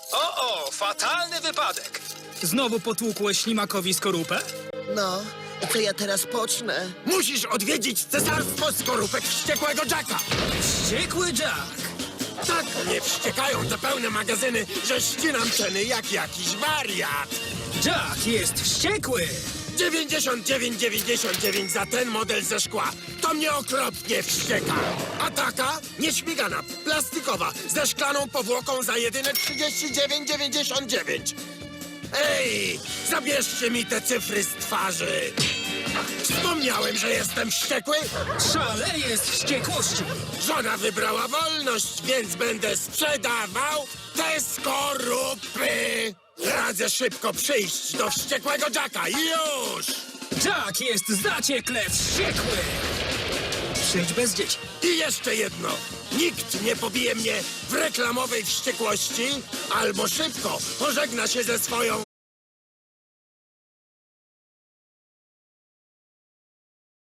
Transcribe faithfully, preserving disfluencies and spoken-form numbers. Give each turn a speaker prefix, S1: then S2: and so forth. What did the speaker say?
S1: O, o, fatalny wypadek.
S2: Znowu potłukłeś ślimakowi skorupę?
S3: No, i co ja teraz pocznę?
S4: Musisz odwiedzić cesarstwo skorupek wściekłego Jacka.
S2: Wściekły Jack!
S4: Tak mnie wściekają te pełne magazyny, że ścinam ceny jak jakiś wariat.
S2: Jack jest wściekły!
S4: dziewięćdziesiąt dziewięć dziewięćdziesiąt dziewięć za ten model ze szkła. To mnie okropnie wścieka. A taka nieśmigana, plastikowa, ze szklaną powłoką za jedyne trzydzieści dziewięć dziewięćdziesiąt dziewięć. Ej, zabierzcie mi te cyfry z twarzy. Wspomniałem, że jestem wściekły.
S2: Szaleje z wściekłości!
S4: Żona wybrała wolność, więc będę sprzedawał te skorupy. Radzę szybko przyjść do wściekłego Jacka. Już!
S2: Jack jest zaciekle wściekły! Przyjdź bez dzieci.
S4: I jeszcze jedno. Nikt nie pobije mnie w reklamowej wściekłości albo szybko pożegna się ze swoją